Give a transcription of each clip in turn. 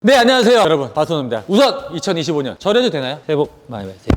네, 안녕하세요 여러분, 바톤입니다. 우선 2025년 절해도 되나요? 새해 복 많이 받으세요.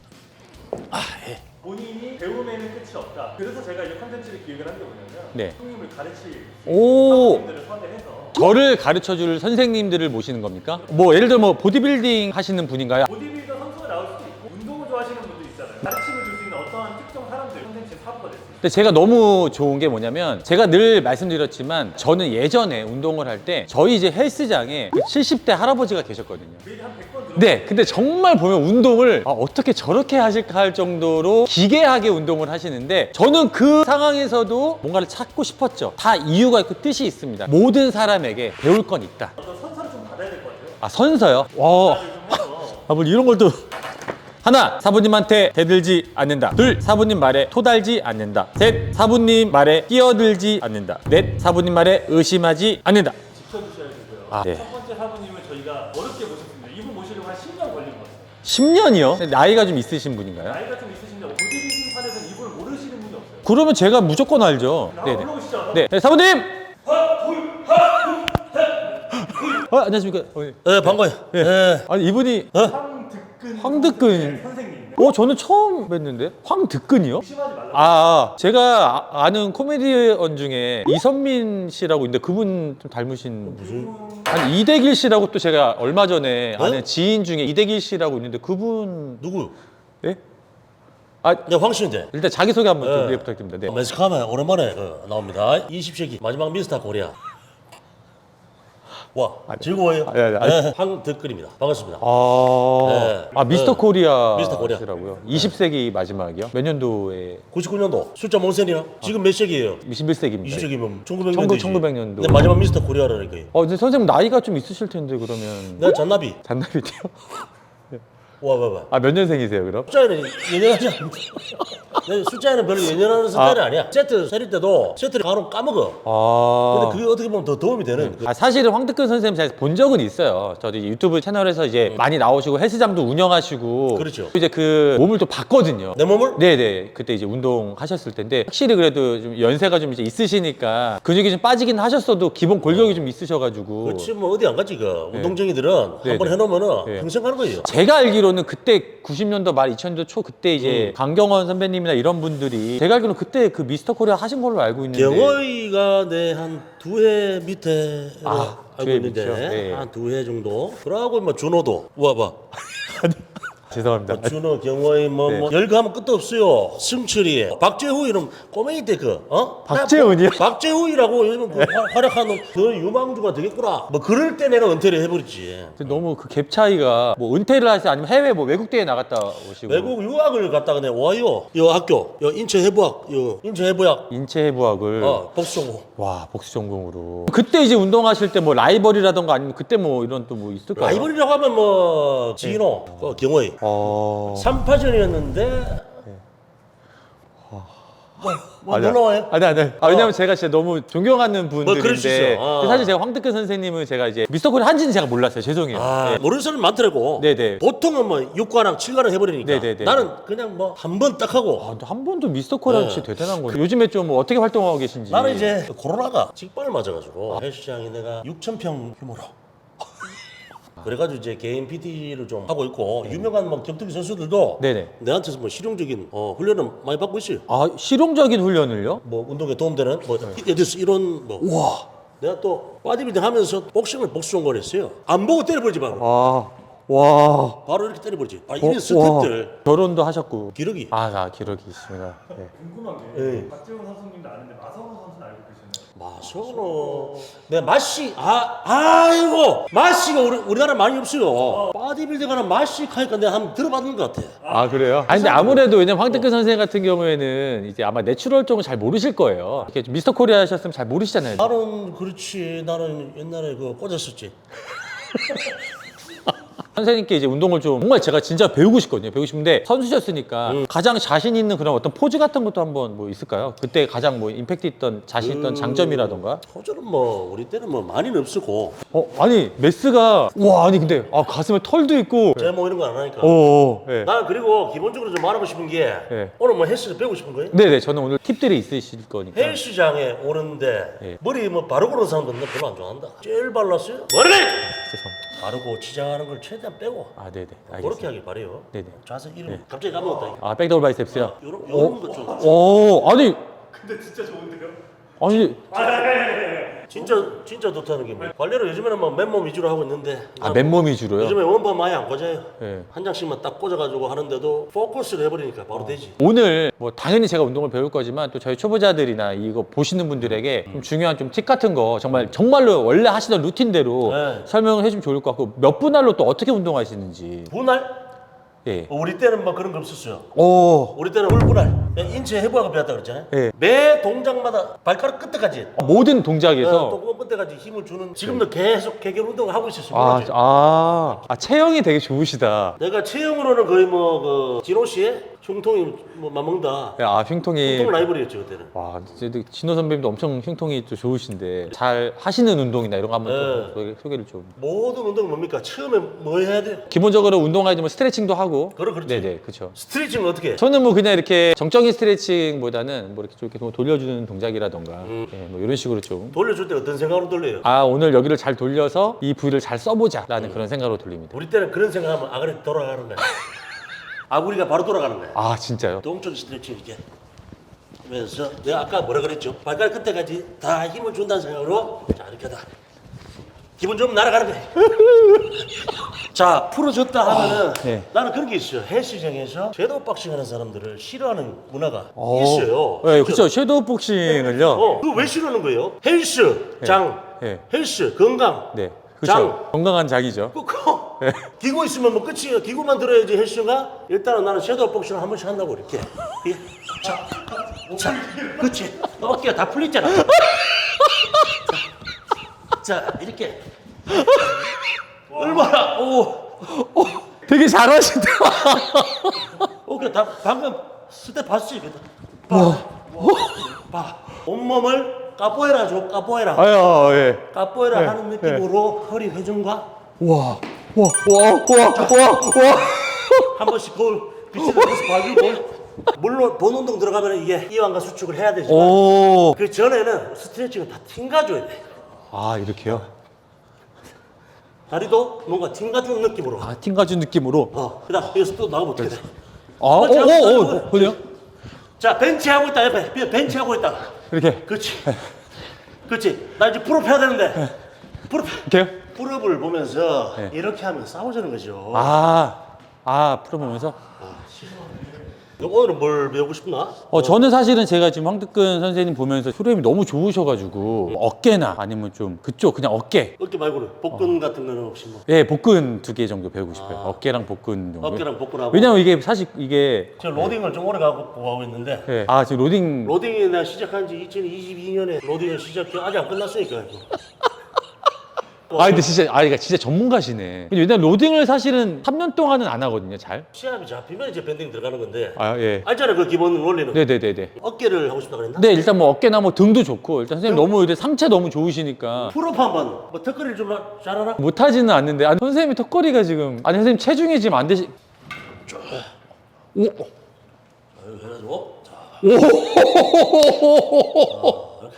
본인이 배움에는 끝이 없다. 그래서 제가 이 컨텐츠를 기획을 한 게 뭐냐면 네. 형님을 가르칠 오. 사람들을 섭외해서 저를 가르쳐줄 선생님들을 모시는 겁니까? 뭐 예를 들어 뭐 보디빌딩 하시는 분인가요? 보디빌더 선수가 나올 수도 있고 운동을 좋아하시는 분도 있잖아요. 가르침을 줄 수 있는 어떠한 특정 사람들 컨텐츠의 사부가 됐어요. 근데 제가 너무 좋은 게 뭐냐면, 제가 늘 말씀드렸지만 저는 예전에 운동을 할 때 저희 이제 헬스장에 70대 할아버지가 계셨거든요. 매일 한 100번 들어. 네, 근데 정말 보면 운동을 어떻게 저렇게 하실까 할 정도로 기괴하게 운동을 하시는데, 저는 그 상황에서도 뭔가를 찾고 싶었죠. 다 이유가 있고 뜻이 있습니다. 모든 사람에게 배울 건 있다. 어떤 선서를 좀 받아야 될 것 같아요. 아, 선서요? 와, 좀 해서 아, 뭘 이런 걸 또. 하나, 사부님한테 대들지 않는다. 둘, 사부님 말에 토달지 않는다. 셋, 사부님 말에 끼어들지 않는다. 넷, 사부님 말에 의심하지 않는다. 지켜주셔야 되고요. 아, 네. 첫 번째 사부님을 저희가 어렵게 모셨습니다. 이분 모시려고 한 10년 걸린 것 같아요. 10년이요? 나이가 좀 있으신 분인가요? 나이가 좀 있으신데 보디빌딩 판에서는 이분을 모르시는 분이 없어요. 그러면 제가 무조건 알죠. 한번 네네. 불러보시죠. 네, 네, 사부님! 안녕하십니까. 네, 반가워요. 네. 네. 아니, 이분이 황득근. 선생님. 저는 처음 뵀는데? 황득근이요? 의심하지 말라고. 제가 아는 코미디언 중에 이선민 씨라고 있는데, 그분 좀 닮으신. 아니, 이대길 씨라고 또 제가 얼마 전에 아는 지인 중에 이대길 씨라고 있는데, 그분. 누구요? 예? 네, 황씨인데. 일단 자기소개 한번 좀 네. 부탁드립니다. 네. 매스카메 오랜만에 나옵니다. 20세기 마지막 미스터 코리아. 와, 즐거워요. 아니. 황덕글입니다. 반갑습니다. 미스터 네. 코리아. 미스터 코리아. 시라고요? 20세기 마지막이요? 몇 년도에? 99년도 숫자 뭔 세이나? 지금 몇 세기예요? 21세기입니다. 20세기면 1900년도지. 1900년도. 네, 마지막 미스터 코리아라니까요. 근데 선생님 나이가 좀 있으실 텐데, 그러면. 내가 잔나비. 잔나비띠요? 와. 몇 년생이세요, 그럼? 숫자에는 연연하지 않는데. 내 숫자에는 별로 연연하는 스타일이 아니야. 세트 세릴 때도 세트를 바로 까먹어. 근데 그게 어떻게 보면 더 도움이 되는. 사실은 황득근 선생님 제가 본 적은 있어요. 저도 이제 유튜브 채널에서 이제 많이 나오시고 헬스장도 운영하시고. 그렇죠. 이제 그 몸을 또 봤거든요. 내 몸을? 네네. 그때 이제 운동하셨을 텐데, 확실히 그래도 좀 연세가 좀 이제 있으시니까 근육이 좀 빠지긴 하셨어도 기본 골격이 좀 있으셔가지고. 그렇지 뭐 어디 안 갔지 그 운동쟁이들은 한 번 해놓으면은 네. 평생 가는 거예요. 제가 알기로는 그때 90년도 말 2000년도 초 그때 이제 강경원 선배님이나 이런 분들이, 제가 알기로는 그때 그 미스터 코리아 하신 걸로 알고 있는데. 경호이가 내 한 두 해 밑에 알고 두해 있는데 밑이요? 네. 한 두 해 정도. 그러고 뭐 준호도 와봐. 죄송합니다. 준호, 경호이 뭐 열감은 끝도 없어요. 승철이, 박재후 이런 꼬맹이 때 박재훈이요? 박재후이라고 요즘 그 활약하는 그 유망주가 되겠구나. 뭐 그럴 때 내가 은퇴를 해버렸지. 너무 그 갭 차이가, 뭐 은퇴를 하세요? 아니면 해외 뭐 외국 대회 나갔다 오시고. 외국 유학을 갔다가 내가 와요. 요 학교, 요 인천해부학, 요 인천해부학. 인체해부학을. 복수전공. 와, 복수 전공으로. 그때 이제 운동하실 때 뭐 라이벌이라던가 아니면 그때 뭐 이런 또 뭐 있을까요? 라이벌이라고 하면 뭐 진호, 그 경호이. 3파전이었는데 뭐 놀라워요? 아니. 왜냐면 제가 진짜 너무 존경하는 그럴 수 분들인데, 있어. 근데 사실 제가 황득근 선생님은 제가 이제 미스터 코리아 한지는 제가 몰랐어요. 죄송해요. 네. 모르는 사람 많더라고. 네네. 보통은 뭐 6관왕, 7관왕 해버리니까. 네네네. 나는 그냥 뭐 한 번 딱 하고. 근데 한 번도 미스터 코리아 진짜 대단한 거예요. 요즘에 좀 뭐 어떻게 활동하고 계신지. 나는 이제 코로나가 직발을 맞아가지고 헬스장이 내가 6,000평 규모로. 그래가지고 이제 개인 PT를 좀 하고 있고 유명한 뭐 격투기 선수들도 네네. 내한테서 뭐 실용적인 훈련을 많이 받고 있어요. 실용적인 훈련을요? 뭐 운동에 도움되는 뭐 예를 들어서 이런 뭐 와. 내가 또 바디빌딩 하면서 복싱을 복수전공을 했어요. 안 보고 때려버리지 마. 와. 바로 이렇게 때려버리지. 이런 스텝들. 결혼도 하셨고. 기록이. 기록이 있습니다. 네. 궁금한 게 네. 박재훈 선수님도 아는데 마성호 선수는 알고 계시나요? 마소노. 내 맛이 아이고 맛이가 우리나라 많이 없어요. 바디빌딩 하는 맛이 하니까 내가 한번 들어봤는 것 같아. 그래요? 근데 아무래도 왜냐면 황득근 선생 같은 경우에는 이제 아마 내추럴 쪽은 잘 모르실 거예요. 이렇게 좀 미스터 코리아 하셨으면 잘 모르시잖아요. 나는 그렇지. 나는 옛날에 그 꽂았었지. 선생님께 이제 운동을 좀 정말 제가 진짜 배우고 싶거든요. 배우고 싶은데 선수셨으니까 가장 자신 있는 그런 어떤 포즈 같은 것도 한번 뭐 있을까요? 그때 가장 뭐 임팩트 있던 자신 있던 장점이라던가. 호주는 뭐 우리 때는 뭐 많이는 없었고 아니 메스가 근데 가슴에 털도 있고. 제뭐 이런 거 안 하니까. 네. 나는 그리고 기본적으로 좀 말하고 싶은 게 네. 오늘 뭐 헬스를 배우고 싶은 거예요? 네네, 저는 오늘 팁들이 있으실 거니까. 헬스장에 오는데 네. 머리 뭐 바르고 그런 사람들은 별로 안 좋아한다. 젤 발랐어요? 머리를 죄송합니다. 바르고 치장하는 걸 최대한 빼고 아, 네네. 그렇게 알겠습니다. 하길 바래요. 네네. 자세 이름 갑자기 까먹었다. 이거. 아, 백더블 바이셉스요? 요런 거 좀. 오, 아니, 근데 진짜 좋은데요? 아니, 진짜 좋다는 게 뭐. 관리를 요즘에는 뭐 맨몸 위주로 하고 있는데. 아, 맨몸 위주로요? 요즘에 원반 많이 안 꽂아요. 네. 한 장씩만 딱 꽂아가지고 하는데도 포커스를 해버리니까 바로 되지. 오늘 뭐 당연히 제가 운동을 배울 거지만 또 저희 초보자들이나 이거 보시는 분들에게 좀 중요한 좀 팁 같은 거 정말로 원래 하시던 루틴대로 네. 설명을 해주면 좋을 것 같고 몇 분할로 또 어떻게 운동하시는지. 분할? 예. 우리 때는 뭐 그런 거 없었어요. 오. 우리 때는 물분할. 인체 해부학을 배웠다 그랬잖아요. 예. 매 동작마다 발가락 끝에까지. 모든 동작에서 똥구멍 끝에까지 힘을 주는. 지금도 계속 개결 운동을 하고 있었어요. 체형이 되게 좋으시다. 내가 체형으로는 거의 뭐 그 진호 씨의 흉통이 뭐 맞먹다. 아, 흉통이. 흉통 라이벌이었죠 그때는. 와, 진짜 진호 선배님도 엄청 흉통이 또 좋으신데 잘 하시는 운동이나 이런 거 한번 또 소개를 좀. 모든 운동은 뭡니까? 처음에 뭐 해야 돼요? 기본적으로 운동할 때 뭐 스트레칭도 하고. 그렇지. 네네, 그렇죠. 스트레칭은 어떻게 해? 저는 뭐 그냥 이렇게 정적인 스트레칭보다는 뭐 이렇게 좀 이렇게 돌려주는 동작이라던가 예, 뭐 이런 식으로 좀. 돌려줄 때 어떤 생각으로 돌려요? 아, 오늘 여기를 잘 돌려서 이 부위를 잘 써보자라는 그런 생각으로 돌립니다. 우리 때는 그런 생각하면 아그리 돌아가는 거야. 아구리가 바로 돌아가는 거야. 아, 진짜요? 동적 스트레칭 이렇게 하면서 내가 아까 뭐라 그랬죠? 발가락 끝에까지 다 힘을 준다는 생각으로 자 이렇게 다 기분 좀 날아가는 거야. 자 풀어줬다 하면은 네. 나는 그런 게 있어요. 헬스장에서 섀도우 박싱 하는 사람들을 싫어하는 문화가 있어요. 네, 그렇죠. 섀도우 복싱을요. 그거 왜 싫어하는 거예요? 헬스장, 네. 헬스, 건강. 네, 장. 그렇죠. 건강한 작이죠. 그거 기구 있으면 뭐 끝이에요. 기구만 들어야지 헬스가. 일단은 나는 섀도우 복싱을 한 번씩 한다고 이렇게. 예. 자, 그렇지. 어깨가 다 풀렸잖아. 자, 이렇게. 얼마나 되게 잘하신다. 어깨 다 방금 스텝 봤지? 봐. 온몸을 까뽀에라죠. 까뽀에라. 아유, 예. 까뽀에라 네, 하는 느낌으로 허리 회전과 와. 한 번씩 거울 빛을 계속 봐주고. 물론 본 운동 들어가면 이게 이완과 수축을 해야 되지만 오. 그 전에는 스트레칭은 다 튕가줘야 돼. 아, 이렇게요? 다리도 뭔가 튕가주는 느낌으로. 아, 팀가준 느낌으로. 그다음 여기서 또 나가면 어떻게 돼? 그래요? 자 벤치 하고 있다 옆에 벤치 하고 있다. 이렇게. 그렇지. 나 이제 풀업 해야 되는데. 풀업. 이렇게요? 풀업을 보면서 네. 이렇게 하면 싸우자는 거죠. 풀어보면서. 오늘은 뭘 배우고 싶나? 저는 사실은 제가 지금 황득근 선생님 보면서 프로그램이 너무 좋으셔가지고 어깨나 아니면 좀 그쪽 그냥 어깨. 어깨 말고는 복근 같은 거는 혹시 뭐? 예, 복근 2개 정도 배우고 싶어요. 어깨랑 복근 정도. 어깨랑 복근하고. 왜냐면 이게 사실 이게 제가 로딩을 좀 오래 가고 있는데. 예. 지금 로딩 로딩이 내가 시작한 지 2022년에 로딩을 시작해 아직 안 끝났으니까. 근데 그러니까 진짜 전문가시네. 왜냐면 로딩을 사실은 3년 동안은 안 하거든요, 잘. 시합이 잡히면 이제 밴딩 들어가는 건데. 예. 알잖아 그 기본 원리는. 네네네네. 어깨를 하고 싶다 그랬나? 네, 일단 뭐 어깨나 뭐 등도 좋고 일단 선생님 너무 이제 상체 너무 좋으시니까 풀업 한번. 뭐 턱걸이를 좀 잘하나? 못하지는 않는데 선생님이 턱걸이가 지금 선생님 체중이 지금 안 되시. 이렇게 해가지고. 자. 오. 이렇게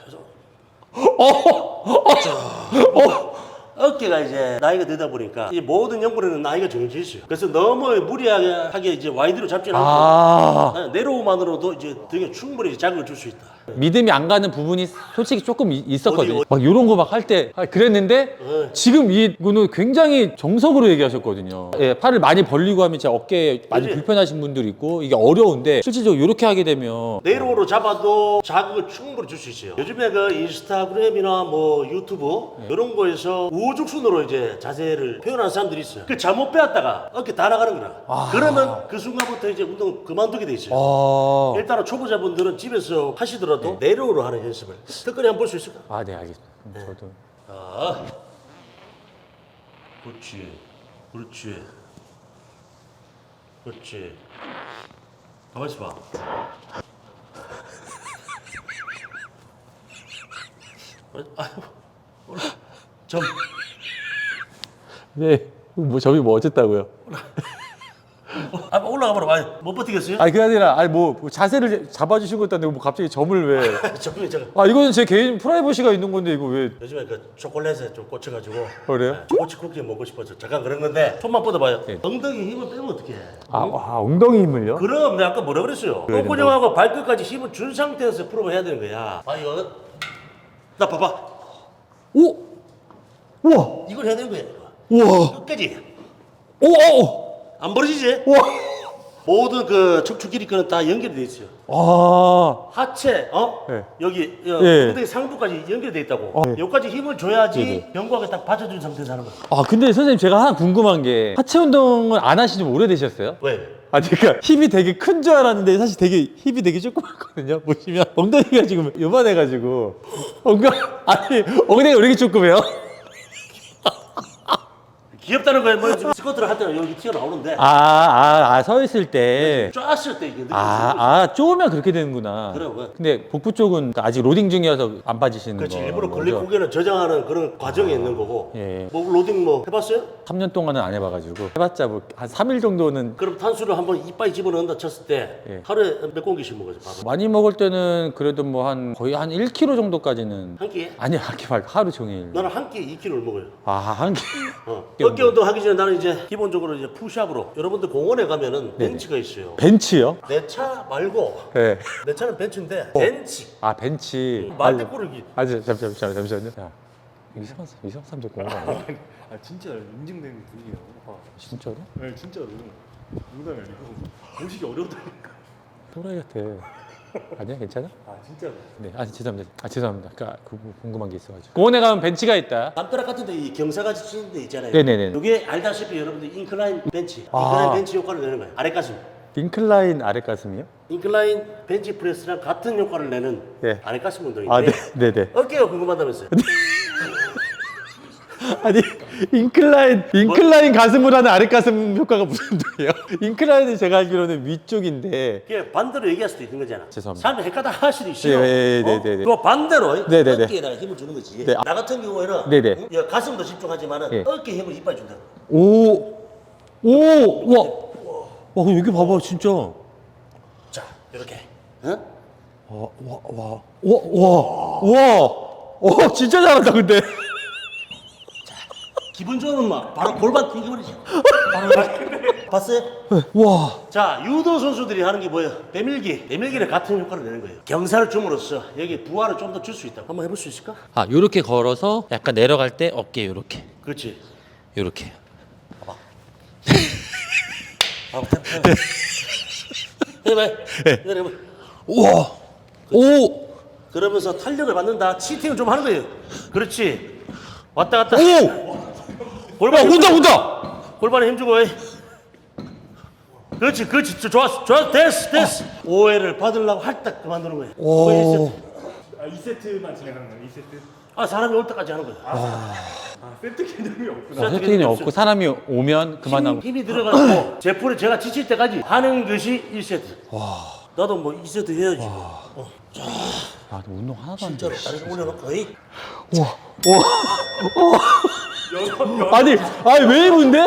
해서. 어깨가 이제 나이가 되다 보니까 이 모든 연구에는 나이가 정해져 있어요. 그래서 너무 무리하게 이제 와이드로 잡지는 않고 내로우만으로도 이제 등에 충분히 자극을 줄 수 있다. 믿음이 안 가는 부분이 솔직히 조금 있었거든요. 어디? 막 이런 거 막 할 때 그랬는데 지금 이거는 굉장히 정석으로 얘기하셨거든요. 예, 팔을 많이 벌리고 하면 진짜 어깨에 많이 그치? 불편하신 분들이 있고 이게 어려운데 실질적으로 이렇게 하게 되면 내로우로 잡아도 자극을 충분히 줄 수 있어요. 요즘에 그 인스타그램이나 뭐 유튜브 이런 거에서 우후죽순으로 이제 자세를 표현하는 사람들이 있어요. 그 잘못 배웠다가 어깨 다 나가는 거라. 그러면 그 순간부터 이제 운동 그만두게 돼 있어요. 일단은 초보자분들은 집에서 하시더라도 내로우로 하는 연습을 턱걸이 한번 볼 수 있을까? 네, 알겠습니다. 저도 그렇지. 가만 있어 봐. 네, 뭐 저기 뭐 어쨌다고요? 아, 올라가 봐라. 아니, 못 버티겠어요? 아니 그게 아니라 아니 뭐 자세를 잡아주신 것도 아닌데 뭐 갑자기 점을 왜? 잠깐만, 잠깐. 아 이거는 제 개인 프라이버시가 있는 건데 이거 왜? 요즘에 그 초콜릿에 좀 꽂혀가지고. 그래요? 초코치 쿠키 먹고 싶어서 잠깐 그런 건데 손만 뻗어봐요. 네. 엉덩이 힘을 빼면 어떡해? 아 엉덩이 힘을요? 그럼 내가 아까 뭐라 그랬어요? 그래야 똥구녕하고 발끝까지 힘을 준 상태에서 풀업을 해야 되는 거야. 아 이거 나 봐봐. 오, 우와, 이걸 해야 되는 거야. 우와, 끝까지 오, 안 벌어지지? 우와. 모든 그 척추 길이끈은 다 연결이 돼 있어요. 아, 하체, 네. 여기 네. 엉덩이 상부까지 연결돼 있다고. 네. 여기까지 힘을 줘야지 네네. 견고하게 딱 받쳐준 상태에서 하는 거야. 아 근데 선생님 제가 하나 궁금한 게 하체 운동을 안 하신 지 오래되셨어요? 왜? 아 그러니까 힙이 되게 큰 줄 알았는데 사실 되게 힙이 되게 조그맣거든요. 보시면 엉덩이가 지금 요만해가지고 아니 엉덩이가 왜 이렇게 조그매요? 귀엽다는 거야. 뭐 지금 스쿼트를 할 때는 여기 튀어나오는데 서 있을 때. 쫙쓸 때 이게 느낌이 쪼으면 그렇게 되는구나. 그래요. 근데 복부 쪽은 아직 로딩 중이어서 안 빠지시는 그렇지. 거. 일부러 글리코겐을 저장하는 그런 과정에 있는 거고. 예. 뭐 로딩 뭐 해봤어요? 3년 동안은 안 해봐가지고 해봤자 뭐 한 3일 정도는 그럼 탄수를 한번 이빨에 집어넣는다 쳤을 때 예. 하루에 몇 공기씩 먹어요? 밥을? 많이 먹을 때는 그래도 뭐 한 거의 한 1kg 정도까지는 한 끼에? 아니 한 끼 말고 하루 종일. 나는 한 끼에 2kg를 먹어요. 한 끼. 어깨 운동 하기 전에 나는 이제 기본적으로 이제 푸시업으로 여러분들 공원에 가면은 벤치가 있어요. 벤치요? 내 차 말고 네. 내 차는 벤츠인데 벤치 벤치. 말대 꾸르기. 잠시만요. 야, 이상한 사람들 공부 안 해? 아 진짜 인증된 분이에요. 진짜로? 네 진짜로. 농담이 아니고 보시기 어려우다니까. 또라이 같아. 아니야, 괜찮아? 아 진짜로. 네, 죄송합니다. 그러니까 궁금한 게 있어가지고. 공원에 가면 벤치가 있다. 남자락 같은데 이 경사같이 치는 데 있잖아요. 네네네. 이게 알다시피 여러분들 인클라인 벤치, 아. 인클라인 벤치 효과를 내는 거예요. 아래 가슴. 인클라인 아래 가슴이요? 인클라인 벤치 프레스랑 같은 효과를 내는 네. 아래 가슴 운동인데 네네. 어깨가 궁금하다면서요? 아니 인클라인 가슴을 하는 아래 가슴 효과가 무슨 소리예요? 인클라인은 제가 알기로는 위쪽인데. 이게 반대로 얘기할 수도 있는 거잖아. 죄송합니다. 사람이 헷갈다 할 수도 있어요. 네네네네. 또 반대로 네네네. 어깨에다가 힘을 주는 거지. 네. 나 같은 경우에는 네네. 응? 가슴도 집중하지만은 네. 어깨 힘을 이빨 준다. 와, 여기 봐봐, 진짜. 자, 이렇게. 응? 진짜 잘한다, 근데. 기분 좋으면 막 바로 골반 튕겨버리지. 바로 봤어요? 와. 자, 유도 선수들이 하는 게 뭐예요? 배밀기는 같은 효과를 내는 거예요. 경사를 줌으로써 여기 부하를 좀 더 줄 수 있다. 한번 해볼 수 있을까? 요렇게 걸어서 약간 내려갈 때 어깨 요렇게. 그렇지. 요렇게. 해봐. 해봐. 우와. 오. 그러면서 탄력을 받는다. 치팅을 좀 하는 거예요. 그렇지. 왔다 갔다. 오. 골반 온다. 골반에 힘주고. 그렇지. 좋았어. 됐어. 오해를 받으려고 할딱 그만두는 거예요. 오. 아 2세트만 진행하는 거예요. 2세트. 아, 사람이 올 때까지 하는 거예요. 아 세트 개념이 없구나. 세팅이 없고 사람이 오면 그만하고. 힘이 들어가고 제풀을 제가 지칠 때까지 하는 것이 1세트. 나도 뭐 2세트 해야지. 너 운동 하나도 안 돼. 진짜로 다리를 올려놓고. 아니 왜 이런데?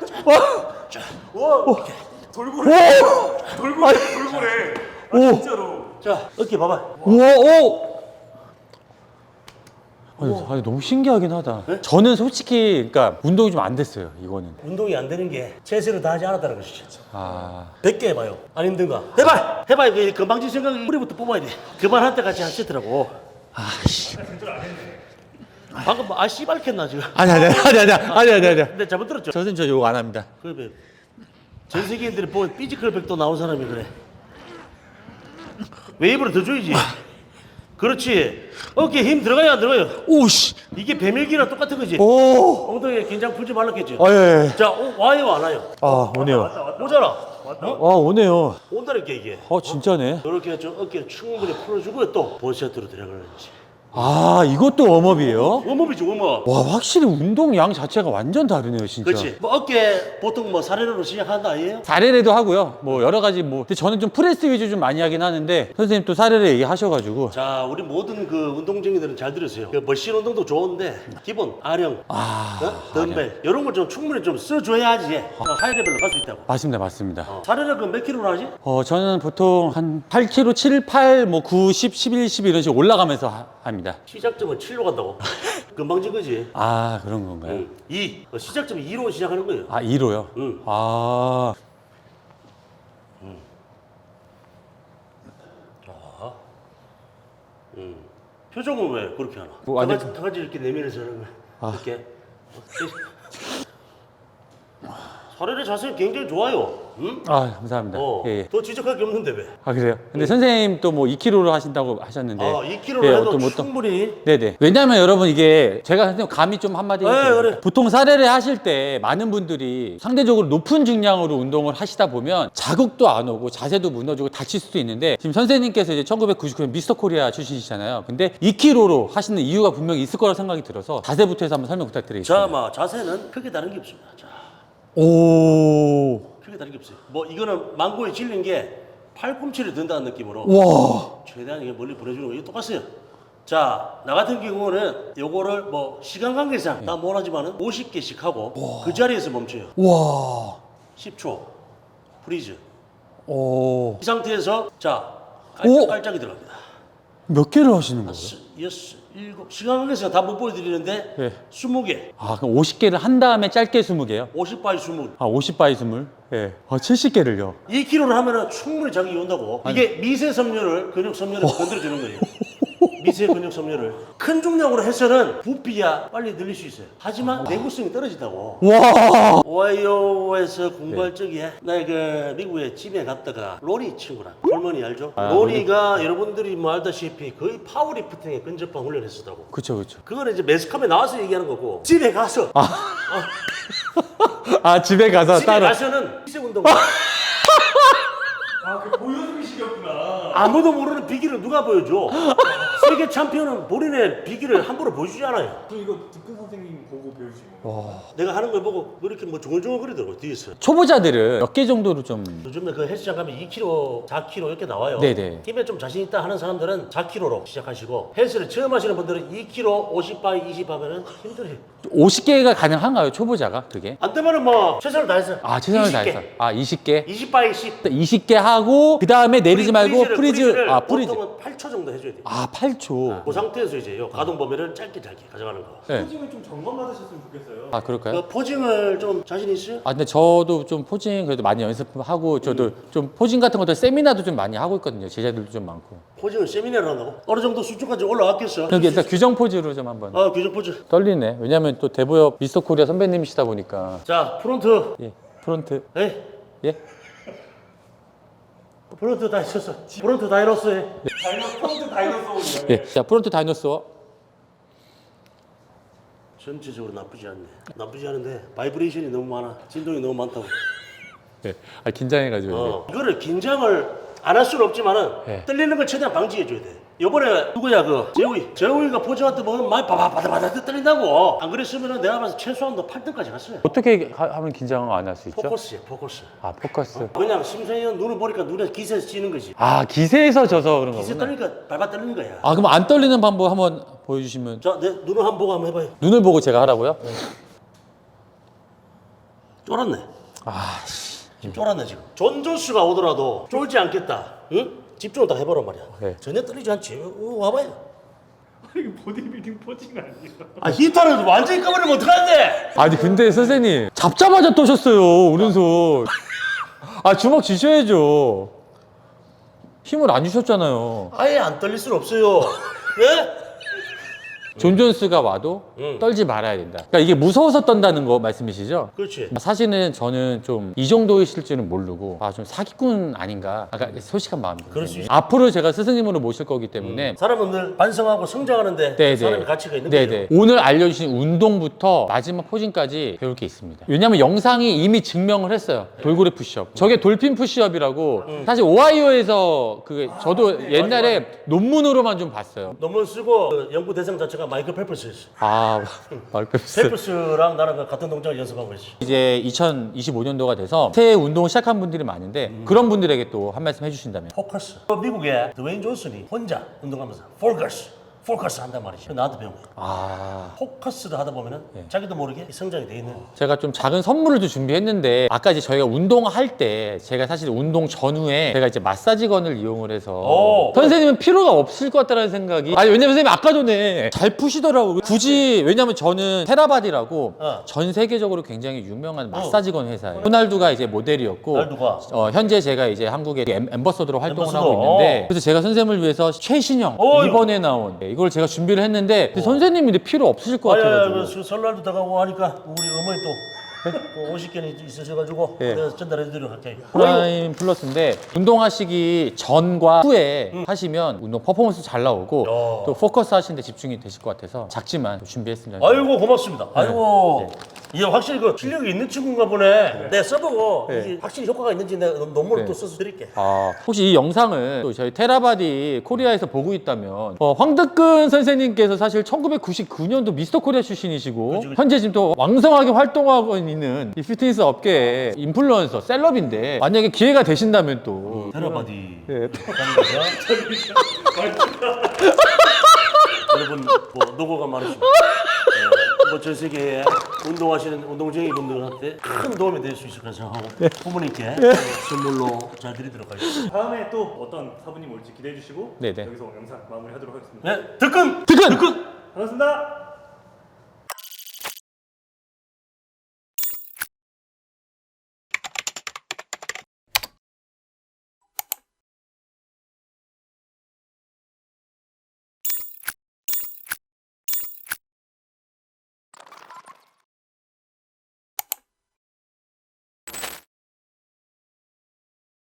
돌고래. 돌고래. 아 진짜로. 자, 어깨 봐봐. 아니 너무 신기하긴 하다. 저는 솔직히 그러니까 운동이 좀 안 됐어요. 이거는. 운동이 안 되는 게 체세를 다하지 않았다는 것이죠. 100개 해봐요. 안 힘든가? 해봐. 이거 건방진 생각이 우리부터 뽑아야 돼. 그만할 때까지 한 세트라고. 방금 뭐 씨발겠나 지금. 아니야. 근데 잘못 들었죠? 저 선생님 저 요거 안 합니다. 그래. 전 세계인들이 보면 피지컬 백도 나온 사람이 그래. 웨이브를 더 줘야지. 그렇지. 어깨에 힘 들어가요, 안 들어가요? 오씨. 이게 배밀기랑 똑같은 거지. 오. 엉덩이에 긴장 풀지 말랐겠죠. 예. 자, 와요, 안 와요? 오네요. 오잖아. 오네요. 온다니까 이게. 진짜네. 이렇게 좀 어깨를 충분히 풀어주고 또 본세트로 들어가는지. 아, 이것도 웜업이에요? 웜업이지 웜업. 와, 확실히 운동량 자체가 완전 다르네요, 진짜. 그렇지. 뭐 어깨 보통 뭐 사례로 시작한다 아니에요? 사례례도 하고요. 뭐 여러 가지 뭐. 근데 저는 좀 프레스 위주 좀 많이 하긴 하는데 선생님 또 사례례 얘기하셔가지고. 자, 우리 모든 그 운동쟁이들은 잘 들으세요. 그 머신 운동도 좋은데 기본 아령, 덤벨 이런 걸 좀 충분히 좀 써줘야지 하이 레벨로 갈 수 있다고. 맞습니다, 맞습니다. 사례를 그몇 킬로로 하지? 저는 보통 한 8kg, 7, 8, 뭐 9, 10, 11, 12 이런 식으로 올라가면서 합니다. 시작점은 7로 간다고. 금방 진 거지. 아, 그런 건가요? 2. 시작점 2로 시작하는 거예요. 아, 2로요? 응. 아, 표정은 왜 그렇게 하나? 뭐, 아니, 다 같이 이렇게 내밀어서 하는 거야. 이렇게. 사례의 자세 굉장히 좋아요. 응? 아, 감사합니다. 예, 예. 더 지적할 게 없는데 왜? 아, 그래요? 근데 선생님 또 뭐 2kg로 하신다고 하셨는데. 2kg로 예, 해도 어떤 충분히. 네네. 왜냐면 여러분 이게 제가 선생님 감히 좀 한마디 해볼게요. 그래. 보통 사례를 하실 때 많은 분들이 상대적으로 높은 중량으로 운동을 하시다 보면 자극도 안 오고 자세도 무너지고 다칠 수도 있는데 지금 선생님께서 이제 1999년 미스터 코리아 출신이시잖아요. 근데 2kg로 하시는 이유가 분명히 있을 거라 생각이 들어서 자세부터 해서 한번 설명 부탁드리겠습니다. 자, 자세는 크게 다른 게 없습니다. 자, 오. 크게 다른 게 없어요. 뭐 이거는 망고에 질린 게 팔꿈치를 든다는 느낌으로 와. 최대한 이게 멀리 보내주는 거 이거 똑같아요. 자, 나 같은 경우는 요거를 뭐 시간 관계상 다 못하지만은 50개씩 하고 그 자리에서 멈춰요. 와. 10초 프리즈. 오. 이 상태에서 자 오! 깔짝이 들어갑니다. 몇 개를 하시는 거예요? 6, 7 시간 관계상 다 못 보여드리는데 네. 20개 아, 그럼 50개를 한 다음에 짧게 20개요? 50바이 20. 아, 50바이 20? 예. 아, 70개를요? 2kg를 하면은 충분히 자극이 온다고. 이게 미세 섬유를 근육 섬유를 건드려 주는 거예요. 미세 근육 섬유를 큰 중량으로 해서는 부피야 빨리 늘릴 수 있어요. 하지만 내구성이 떨어진다고. 와. 오하이오에서 공부할 적에 나 그 미국에 집에 갔다가 로리 친구랑 홀머니 알죠? 로리가 여러분들이 뭐 알다시피 거의 파워리프팅에 근접한 훈련을 했었다고. 그쵸, 그쵸. 그거는 이제 매스컴에 나와서 얘기하는 거고 집에 가서 아, 집에 가서 집에 따로. 가서는 미세 운동 그 보여주기식이었구나. 아무도 모르는 비기를 누가 보여줘? 세계 챔피언은 본인의 비기를 함부로 보여주지 않아요. 저 이거 득근 선생님 보고 배우시고. 내가 하는 걸 보고 이렇게 뭐 중얼중얼거리더라고 뒤에서. 초보자들은 몇 개 정도로 좀. 요즘에 그 헬스장 가면 2kg, 4kg 이렇게 나와요. 네네. 힘에 좀 자신 있다 하는 사람들은 4kg로 시작하시고 헬스를 처음 하시는 분들은 2kg, 50바이, 20 하면은 힘들어요. 50개가 가능한가요, 초보자가? 그게? 안 되면은 뭐 최선을 다해서. 아, 최선을 20개. 다해서. 아, 20개? 20바이 10. 20개 하고, 그 다음에 내리지 말고 프리즈. 프리즈를 아, 프리즈. 보통은 8초 정도 해줘야 돼요. 아, 8초. 그 상태에서 이제 요 가동 범위를 짧게 가져가는 거. 네. 포징을 좀 점검 받으셨으면 좋겠어요. 아, 그럴까요? 그 포징을 좀 자신 있어요? 아, 근데 저도 좀 포징 그래도 많이 연습하고, 저도 좀 포징 같은 것도 세미나도 좀 많이 하고 있거든요. 제자들도 좀 많고. 포징을 세미나를 한다고? 어느 정도 수준까지 올라왔겠어? 여기 일단 규정 포즈로 좀 한번. 규정 포즈. 떨리네. 왜냐면 또 대보엽 미스터 코리아 선배님이시다 보니까. 자, 프론트. 예. 프론트. 에이, 예. 프론트 다 했었어. 프론트 다이너스 해. 프론트 다이너소울이요. 예. 자, 프론트 다이너스워. 전체적으로 나쁘지 않네. 나쁘지 않은데 바이브레이션이 너무 많아. 진동이 너무 많다고. 예. 아, 긴장해가지고. 이거를 긴장을 안 할 수는 없지만은 네. 떨리는 걸 최대한 방지해줘야 돼. 요번에 누구야 그 재우이가 포즈한테 보면 많이 바바바바바바 떨린다고. 안 그랬으면은 내가 봐서 최소한 너 8등까지 갔어요. 어떻게 하면 긴장을 안 할 수 있죠? 포커스야 포커스. 아, 포커스. 그냥 심사위원 눈을 보니까 눈에 기세에서 찌는 거지. 아, 기세에서 져서 그런 기세 거구나. 떨리니까 발발 떨리는 거야. 아, 그럼 안 떨리는 방법 한번 보여주시면. 자, 내 눈을 한번 보고 한번 해봐요. 눈을 보고 제가 하라고요? 쫄았네. 아, 지금 쫄았네 지금. 존존수가 오더라도 쫄지 않겠다. 응? 집중을 다 해보란 말이야. 네. 전혀 떨리지 않지. 와봐요. 이거 보디빌딩 포징 아니에요? 아 히터를 완전히 꺼버리면 어떡하는데? 아니 근데 선생님 잡자마자 떠셨어요 오른손. 아, 주먹 쥐셔야죠. 힘을 안 주셨잖아요. 아예 안 떨릴 수는 없어요. 왜? 존 존스가 와도 떨지 말아야 된다. 그러니까 이게 무서워서 떤다는 거 말씀이시죠? 그렇지. 사실은 저는 좀 이 정도이실 줄은 모르고 좀 사기꾼 아닌가 아까 소식한 마음이 그럴 수 있어. 앞으로 제가 스승님으로 모실 거기 때문에 사람은 늘 반성하고 성장하는데 사람의 가치가 있는 거죠. 네네. 오늘 알려주신 운동부터 마지막 포징까지 배울 게 있습니다. 왜냐면 영상이 이미 증명을 했어요. 돌고래 푸시업. 저게 돌핀 푸시업이라고 사실 오하이오에서 저도 옛날에 논문으로만 좀 봤어요. 논문 쓰고 그 연구 대상 자체가 마이클 펠프스였어. 말급스. 펠프스랑 나랑 같은 동작을 연습하고 있어. 이제 2025년도가 돼서 새해 운동을 시작한 분들이 많은데 그런 분들에게 또 한 말씀 해주신다면 포커스. 미국에 드웨인 존슨이 혼자 운동하면서 포커스 한단 말이지. 나한테 배운 거야. 포커스를 하다 보면은 자기도 모르게 성장이 돼 있는. 제가 좀 작은 선물을 좀 준비했는데 아까 이제 저희가 운동할 때 제가 사실 운동 전후에 제가 이제 마사지건을 이용을 해서 선생님은 필요가 없을 것 같다는 생각이 왜냐면 선생님 아까 전에 잘 푸시더라고요. 굳이 왜냐면 저는 테라바디라고 전 세계적으로 굉장히 유명한 마사지건 회사예요. 호날두가 이제 모델이었고 호날두가. 현재 제가 이제 한국의 엠버서더로 활동을 하고 있는데 그래서 제가 선생님을 위해서 최신형 이번에 나온 이걸 제가 준비를 했는데 선생님이 근데 필요 없으실 것 같아가지고 그 설날도 다가오고 하니까 우리 어머니 또 50개는 있으셔가지고 내가 전달해드리도록 할게요. 프라임 플러스인데 운동하시기 전과 후에 하시면 운동 퍼포먼스 잘 나오고 또 포커스 하시는데 집중이 되실 것 같아서 작지만 준비했습니다. 아이고 고맙습니다. 아이고 이게 확실히 그 실력이 있는 친구인가 보네. 내가 써보고 이게 확실히 효과가 있는지 내가 논문을 또 써서 드릴게. 혹시 이 영상을 또 저희 테라바디 코리아에서 보고 있다면 황득근 선생님께서 사실 1999년도 미스터 코리아 출신이시고 현재 지금 또 왕성하게 활동하고 있는 이 피트니스 업계의 인플루언서 셀럽인데 만약에 기회가 되신다면 또 테라바디 여러분 뭐 노고가 많으십니다. 전 세계에 운동하시는 운동쟁이 분들한테 큰 도움이 될 수 있을 거라 생각하고 부모님께 선물로 잘 드리도록 하겠습니다. 다음에 또 어떤 사부님 올지 기대해 주시고 네네. 여기서 영상 마무리하도록 하겠습니다. 네, 득근! 득근! 반갑습니다.